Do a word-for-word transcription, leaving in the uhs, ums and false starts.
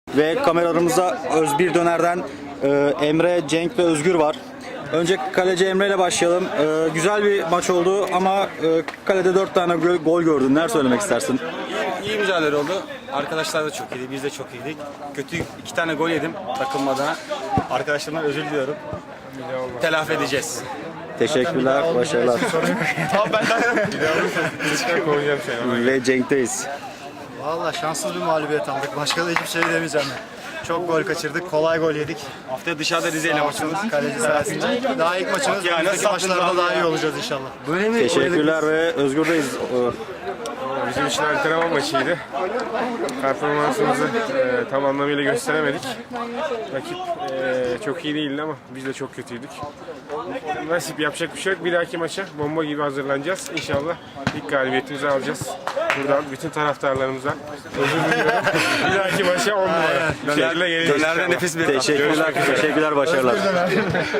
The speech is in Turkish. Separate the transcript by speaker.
Speaker 1: Ve kameralarımızda Özbir Döner'den e, Emre, Cenk ve Özgür var. Önce kaleci Emre ile başlayalım. E, güzel bir maç oldu ama e, kalede dört tane gol, gol gördün. Neler söylemek istersin?
Speaker 2: İyi mücadele oldu. Arkadaşlar da çok iyiydi. Biz de çok iyiydik. Kötü iki tane gol yedim takım adına. Arkadaşlarımdan özür diliyorum. Telafi edeceğiz.
Speaker 1: Teşekkürler, başarılar.
Speaker 2: Tamam ben
Speaker 1: Ve Cenk'teyiz.
Speaker 3: Valla şanssız bir mağlubiyet aldık. Başka da hiçbir şey demeyeceğim. Çok gol kaçırdık, kolay gol yedik.
Speaker 2: Haftaya dışarıda Rize ile maçımız.
Speaker 3: Kaleci sayesinde. Daha ilk maçımız,
Speaker 2: Yani
Speaker 3: önümüzdeki
Speaker 2: sattınız
Speaker 3: maçlarda
Speaker 2: abi
Speaker 3: daha
Speaker 2: ya.
Speaker 3: iyi olacağız inşallah.
Speaker 1: Teşekkürler ve Özgür'deyiz. E,
Speaker 4: Bizim için antrenman maçıydı. Performansımızı e, tam anlamıyla gösteremedik. Rakip e, çok iyi değildi ama biz de çok kötüydük. Nasip, yapacak bir şey yok. Bir dahaki maça bomba gibi hazırlanacağız. İnşallah ilk galibiyetimizi alacağız. Buradan bütün taraftarlarımıza özür diliyorum. Bir dahaki maça on numara. Bir şekilde geleceğiz.
Speaker 2: Dönerde nefis bir
Speaker 1: Teşekkürler, teşekkürler, başarılar.